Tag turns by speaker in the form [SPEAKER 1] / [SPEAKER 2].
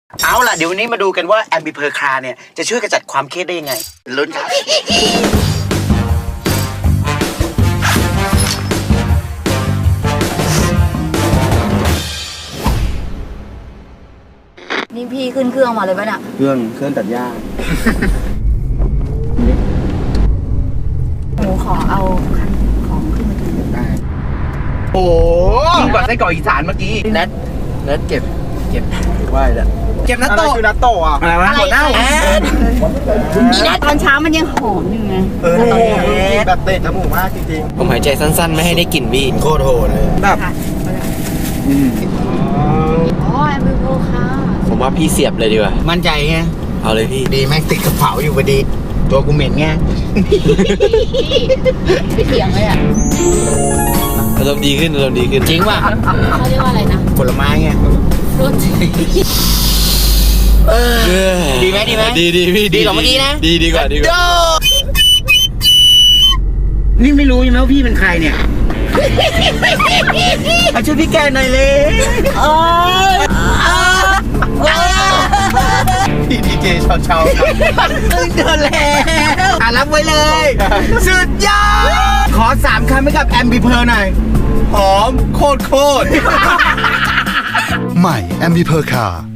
[SPEAKER 1] เอาล่ะเดี๋ยววันนี้มาดูกันว่าแอมบิเพอร์คาร์เนี่ยจะช่วยกระจัดความเครียดได้ยังไงลุ้นครับ
[SPEAKER 2] นี่พี่ขึ้นเครื่องมาเลยป่ะเนี่ย
[SPEAKER 1] เครื่องตัดหญ้า
[SPEAKER 2] หนูขอเอาคันของขึ้นมากิน
[SPEAKER 1] ได้โอ้ยิ่งกว่าไส้กรอกอีสานเมื่อกี้นัดเก็บไหวแล้วเก็บนัตโตคือนัตโตอ่ะอะไรวะหัวเน่า
[SPEAKER 2] อีนัทตอนเช้ามันยังหอมอยู่ไง
[SPEAKER 1] แบบเตะจมูกมากจริงๆ
[SPEAKER 3] ผมหายใจสั้นๆไม่ให้ได้กลิ่นพี่
[SPEAKER 1] โคตรโหดเลยแบบ
[SPEAKER 2] อ๋อแอมเบอร์ค่ะ
[SPEAKER 3] ผมว่าพี่เสียบเลยดีกว่า
[SPEAKER 1] มั่นใจไง
[SPEAKER 3] เอาเลยพี่
[SPEAKER 1] ดีแม่งติดกระเป๋าอยู่พอดีตัวกูเหม็นไง
[SPEAKER 2] ไม่เถียงเลยอ่ะ
[SPEAKER 3] อารมณ์ดีขึ้น
[SPEAKER 1] จริงป่ะ
[SPEAKER 2] เขาเรียกว่าอะไรนะ
[SPEAKER 1] ผลไม้ไง
[SPEAKER 2] รส
[SPEAKER 1] ดีไหม
[SPEAKER 3] ดีพี่
[SPEAKER 1] ดีกว่าเมื่อกี้นะ
[SPEAKER 3] ดีกว่า
[SPEAKER 1] นี่ไม่รู้ใช่ไหมว่าพี่เป็นใครเนี่ยมาช่วยพี่แกหน่อยเลยพี่ดีเจเช้าตึงเดินแล้วรับไว้เลยสุดยอดขอ3 คำให้กับแอมบิเพอร์หน่อยหอมโคตร
[SPEAKER 4] ใหม่แอมบิเพอร์คาร์